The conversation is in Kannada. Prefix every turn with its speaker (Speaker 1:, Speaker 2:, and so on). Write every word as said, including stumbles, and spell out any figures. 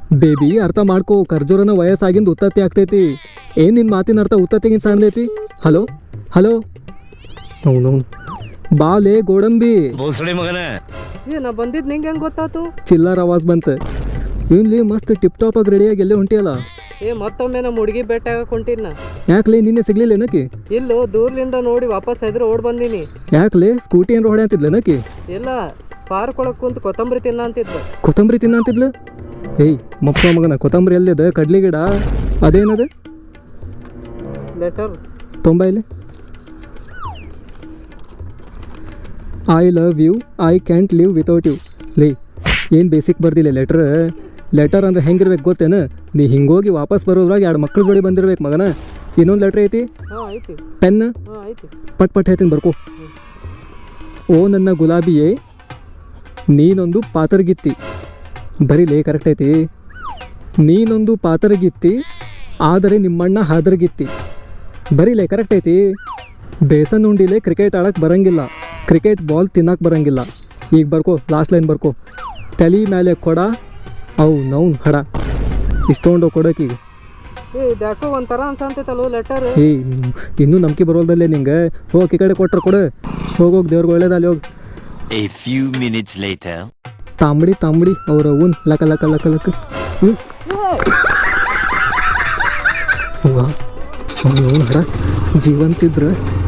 Speaker 1: ಬೇಬಿ ಅರ್ಥ ಮಾಡ್ಕೋ, ಖರ್ಜೂರನ ವಯಸ್ಸಾಗಿಂದ ಉತ್ತತ್ತಿ ಆಗ್ತೈತಿ. ಏನು ನಿನ್ನ ಮಾತಿನ ಅರ್ಥ ಉತ್ತತ್ತಿಗಿಂತ ಸಣ್ಣದೈತಿ? ಹಲೋ ಹಲೋ ಅವನು ಬಾಲೆ ಗೋಡಂಬಿ
Speaker 2: ಬೋಸಡಿ ಮಗನ.
Speaker 3: ಏ ನಾ ಬಂದಿದ್ದು ನಿಂಗೆ ಹೆಂಗೆ ಗೊತ್ತಾತು?
Speaker 1: ಚಿಲ್ಲರ್ ಆವಾಜ್ ಬಂತು. ಇಲ್ಲಿ ಮಸ್ತ್ ಟಿಪ್ ಟಾಪ್ ಆಗಿ ರೆಡಿಯಾಗಿ ಎಲ್ಲೇ ಹೊಂಟಿಯಲ್ಲ.
Speaker 3: ಏ ಮತ್ತೊಮ್ಮೆ ನಮ್ಮ ಹುಡುಗಿ ಭೇಟಿ ಆಗಕ್ಕೆ ಹೊಂಟಿನ.
Speaker 1: ಯಾಕ್ಲೆ ನಿನ್ನೆ ಸಿಗ್ಲಿಲ್ಲ ಏನಕಿ?
Speaker 3: ಇಲ್ಲೋ ದೂರ್ಲಿಂದ ನೋಡಿ ವಾಪಸ್ ಎದುರು ಓಡ್ ಬಂದೀನಿ.
Speaker 1: ಯಾಕ್ಲೆ ಸ್ಕೂಟಿ ಏನಾರ ಹೊಡೆ ಅಂತಿದ್ಲೇನಕಿ?
Speaker 3: ಇಲ್ಲ, ಪಾರ್ಕ್ ಒಳಗೆ ಕುಂತು ಕೊತ್ತಂಬರಿ ತಿನ್ನ ಅಂತಿದ್ಲು.
Speaker 1: ಕೊತ್ತಂಬರಿ ತಿನ್ನ ಅಂತಿದ್ಲು? ಏಯ್ ಮಕ್ಕಳ ಮಗನ, ಕೊತ್ತಂಬರಿ ಎಲ್ಲಿದೆ? ಕಡ್ಲಿ ಗಿಡ ಅದೇನದು?
Speaker 3: ಲೆಟರ್
Speaker 1: ತೊಂಬೈಲಿ. I love you, I can't live without you. ಲೇ ಏನು ಬೇಸಿಕ್ ಬರ್ದಿಲ್ಲ ಲೆಟ್ರ್. ಲೆಟರ್ ಅಂದ್ರೆ ಹೆಂಗಿರ್ಬೇಕು ಗೊತ್ತೇನು? ನೀ ಹಿಂಗೋಗಿ ವಾಪಸ್ ಬರೋದ್ರಾಗ ಎರಡು ಮಕ್ಳ ಜೋಡಿ ಬಂದಿರ್ಬೇಕು ಮಗನ. ಇನ್ನೊಂದು ಲೆಟ್ರ್ ಐತಿ,
Speaker 3: ಹಾಂ ಐತಿ.
Speaker 1: ಪೆನ್
Speaker 3: ಹಾಂ ಐತಿ.
Speaker 1: ಪಟ್ ಪಟ್ ಹೇಳ್ತೀನಿ ಬರ್ಕೋ. ಓ ನನ್ನ ಗುಲಾಬಿಯೇ, ನೀನೊಂದು ಪಾತರಗಿತ್ತಿ. ಬರೀಲೇ ಕರೆಕ್ಟ್ ಐತಿ. ನೀನೊಂದು ಪಾತರಗಿತ್ತಿ, ಆದರೆ ನಿಮ್ಮಣ್ಣ ಹಾದರಗಿತ್ತಿ. ಬರೀಲೇ ಕರೆಕ್ಟ್ ಐತಿ. ಬೇಸನ್ ಉಂಡಿಲೆ ಕ್ರಿಕೆಟ್ ಆಡಕ್ಕೆ ಬರಂಗಿಲ್ಲ, ಕ್ರಿಕೆಟ್ ಬಾಲ್ ತಿನ್ನಕ್ಕೆ ಬರಂಗಿಲ್ಲ. ಈಗ ಬರ್ಕೋ, ಲಾಸ್ಟ್ ಲೈನ್ ಬರ್ಕೋ. ತಲೆ ಮೇಲೆ ಕೊಡ, ಅವು ನೌನ್ ಹಡ. ಇಷ್ಟೊಂಡು ಕೊಡೋಕೀಗ.
Speaker 3: ಏ ಇದ್ಯಾಕೋ ಒಂಥರ ಅನ್ಸಂತೈತಲ್ವ ಲೆಟರ್.
Speaker 1: ಏಯ್ ಇನ್ನೂ ನಂಬಿಕೆ ಬರೋಲ್ದಲ್ಲೇ ನಿಂಗೆ. ಹೋಗಿ ಈ ಕಡೆ ಕೊಟ್ರೆ ಕೊಡು. ಹೋಗೋಗಿ ದೇವ್ರಿಗೆ ಒಳ್ಳೇದಲ್ಲಿ ಹೋಗಿ.
Speaker 2: A few minutes later.
Speaker 1: ತಾಂಬಡಿ ತಾಂಬಡಿ ಅವ್ರ ಉನ್ ಲಕ ಲಕ ಲಕ ಲಕ. ಹ್ಞೂ ಅವ್ನು ಹಡ ಜೀವಂತಿದ್ರೆ